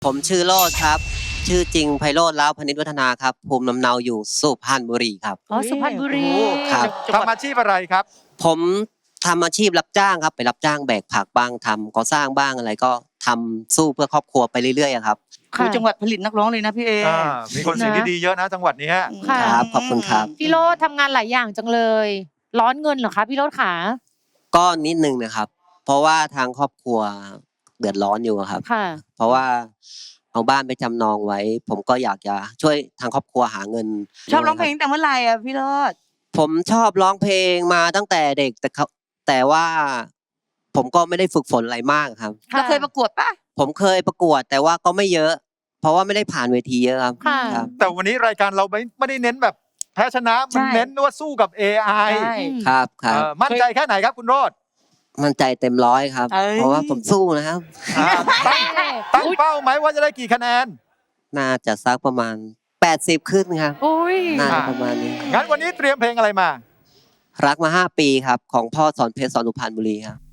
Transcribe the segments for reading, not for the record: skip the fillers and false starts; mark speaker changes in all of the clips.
Speaker 1: ผมชื่อโรจน์ครับชื่อจริงไพโรจน์ล้าวพนิษฐ์วัฒนาครับภูมิลำเนาอยู่สุพรรณบุรีครับ
Speaker 2: อ๋อสุพรรณบุรี
Speaker 1: ครับ
Speaker 3: ทำอาชีพอะไรครับ
Speaker 1: ผมทำอาชีพรับจ้างครับไปรับจ้างแบกผักบ้างทำก่อสร้างบ้างอะไรก็ทำสู้เพื่อครอบครัวไปเรื่อยๆอะครับ
Speaker 2: ค่ะ
Speaker 4: จังหวัดผลิตนักร้องเลยนะพี่เอ
Speaker 3: มีคนเสียงที่ดีเยอะนะจังหวัดนี้
Speaker 2: ค่ะ
Speaker 1: ครับขอบคุณครับ
Speaker 2: พี่โรจน์ทำงานหลายอย่างจังเลย ร้อนเงินเหรอคะพี่โรจน์ขา
Speaker 1: ก็นิดนึงนะครับ เพราะว่าทางครอบครัวเดือดร้อนอยู่อะครับ
Speaker 2: ค่ะ
Speaker 1: เพราะว่าเอาบ้านไปจำนองไว้ ผมก็อยากจะช่วยทางครอบครัวหาเงิน
Speaker 4: ชอบร้องเพลงแต่เมื่อไหร่อ่ะพี่โรจน์
Speaker 1: ผมชอบร้องเพลงมาตั้งแต่เด็กแต่ว่าผมก็ไม่ได้ฝึกฝนอะไรมากครับ
Speaker 4: เราเคยประกวดปะ
Speaker 1: ผมเคยประกวดแต่ว่าก็ไม่เยอะ เพราะว่าไม่ได้ผ่านเวทีเยอะครับ
Speaker 2: ค่ะ
Speaker 1: ครับ
Speaker 3: แต่วันนี้รายการเราไม่ได้เน้นแบบแพ้ชนะมันเน้นว่าสู้กับ AI
Speaker 4: ใช่
Speaker 1: ครับครับ
Speaker 3: มั่นใจแค่ไหนครับคุณโรจน์
Speaker 1: มั่นใจเต็มร้อยครับ
Speaker 4: เอ้ย
Speaker 1: เพราะว่าผมสู้นะครับ
Speaker 3: ตั้งเป้าไหมว่าจะได้กี่คะแนน
Speaker 1: น่าจะสักประมาณ80ขึ้นครับ
Speaker 2: อุ้ย
Speaker 1: น่าจะประมาณนี้
Speaker 3: งั้นวันนี้เตรียมเพลงอะไรมา
Speaker 1: รักมา5 ปีครับของพ่อสอนเพชรสอนสุพรรณบุรีครับ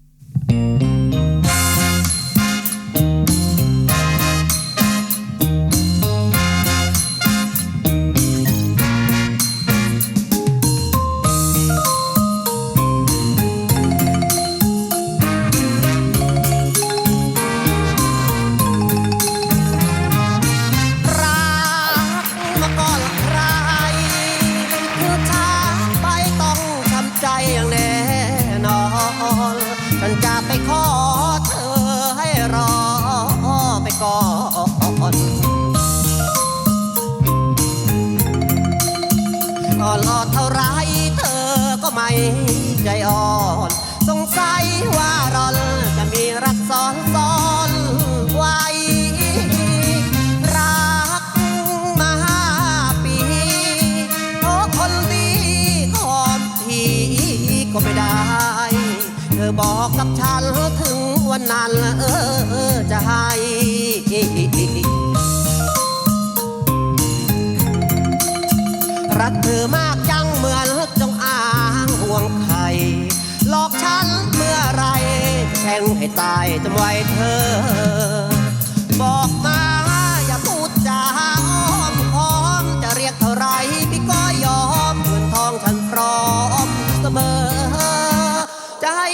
Speaker 1: รักมาก่อนใครคือช้าไปต้องทำใจอย่างแน่นอนฉันจะไปขอเธอให้รอไปก่อนก็รอเท่าไรเธอก็ไม่ใจอ่อนสงสัยว่าเราจะมีรักซ้อนไว้ รักมา5 ปีโอ้คนดีขอบทีก็ไม่ได้ เธอบอกกับฉันถึงวันนั้นจะให้ รักเธอมากจังเหมือนจงอางห่วงไข่หลอกฉันเมื่อไรแข่งให้ตายจำไว้เธอ บอกมาอย่าพูดจาอ้อมค้อมจะเรียกเท่าไรพี่ก็ยอมเงินทองฉันพร้อมเสมอจะให้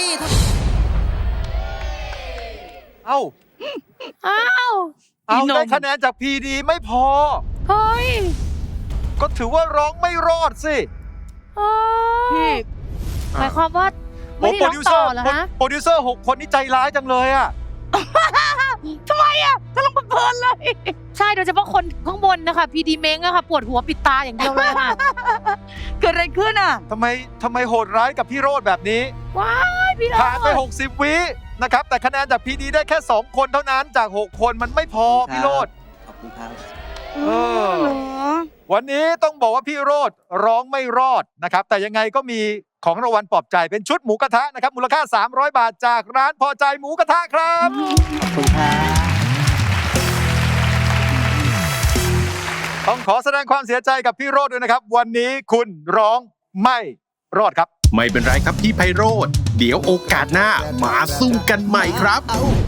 Speaker 3: เอ้า
Speaker 2: อ้าว
Speaker 3: เอาได้คะแนนจาก PD ไม่พอ
Speaker 2: เฮ้ย
Speaker 3: ก็ถือว่าร้องไม่รอดสิ
Speaker 2: อ๋อ
Speaker 4: พี่
Speaker 2: หมายความว่าไม่ได้ร้องต่อเหรอฮะ
Speaker 3: โปรดิวเซอร์6 คนนี่ใจร้ายจังเลยอ่ะ
Speaker 4: ทำไมอ่ะก็ลงเพลินๆเลย
Speaker 2: ใช่โดยเฉพาะคนข้างบนนะคะพีดีเม้งอะค่ะปวดหัวปิดตาอย่างเดียวเลยค่ะ
Speaker 4: เกิดอะไรขึ้นอ่ะ
Speaker 3: ทำไมโหดร้ายกับพี่โรจน์แบบนี้
Speaker 2: ว้ายพี่โรจ
Speaker 3: ผ่านไป
Speaker 2: น์
Speaker 3: 60 วินะครับ แต่คะแนนจาก PD ได้แค่ 2 คนเท่านั้นจาก 6 คนมันไม่พอพี่โรจน์
Speaker 1: ขอบคุณครับ
Speaker 3: เออ
Speaker 4: เหรอ
Speaker 3: วันนี้ต้องบอกว่าพี่โรจน์ร้องไม่รอดนะครับ แต่ยังไงก็มีของรางวัลปลอบใจเป็นชุดหมูกระทะนะครับ มูลค่า 300 บาทจากร้านพอใจหมูกระทะครับ
Speaker 1: ขอบคุณครับ
Speaker 3: ต้องขอแสดงความเสียใจกับพี่โรจน์ด้วยนะครับ วันนี้คุณร้องไม่รอดครับ
Speaker 5: ไม่เป็นไรครับพี่ไพโรธเดี๋ยวโอกาสหน้ามาสู้กันใหม่ครับ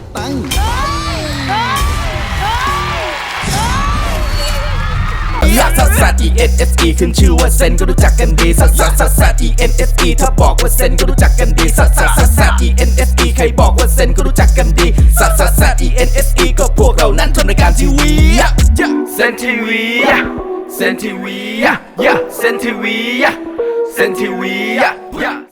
Speaker 6: ลักซัสซัส E N S E ขึ้นชื่อว่าเซนก็รู้จักกันดีซัสซัสซัสซัส E N S E ถ้าบอกว่าเซนก็รู้จักกันดีซัสซัสซัสซัส E N S E ใครบอกว่าเซนก็รู้จักกันดีซัสซัสซัส E N S E ก็พวกเรานั้นทำรายการทีวีเซนทีวีเซนทีวีเซนทีวีเซนทีวี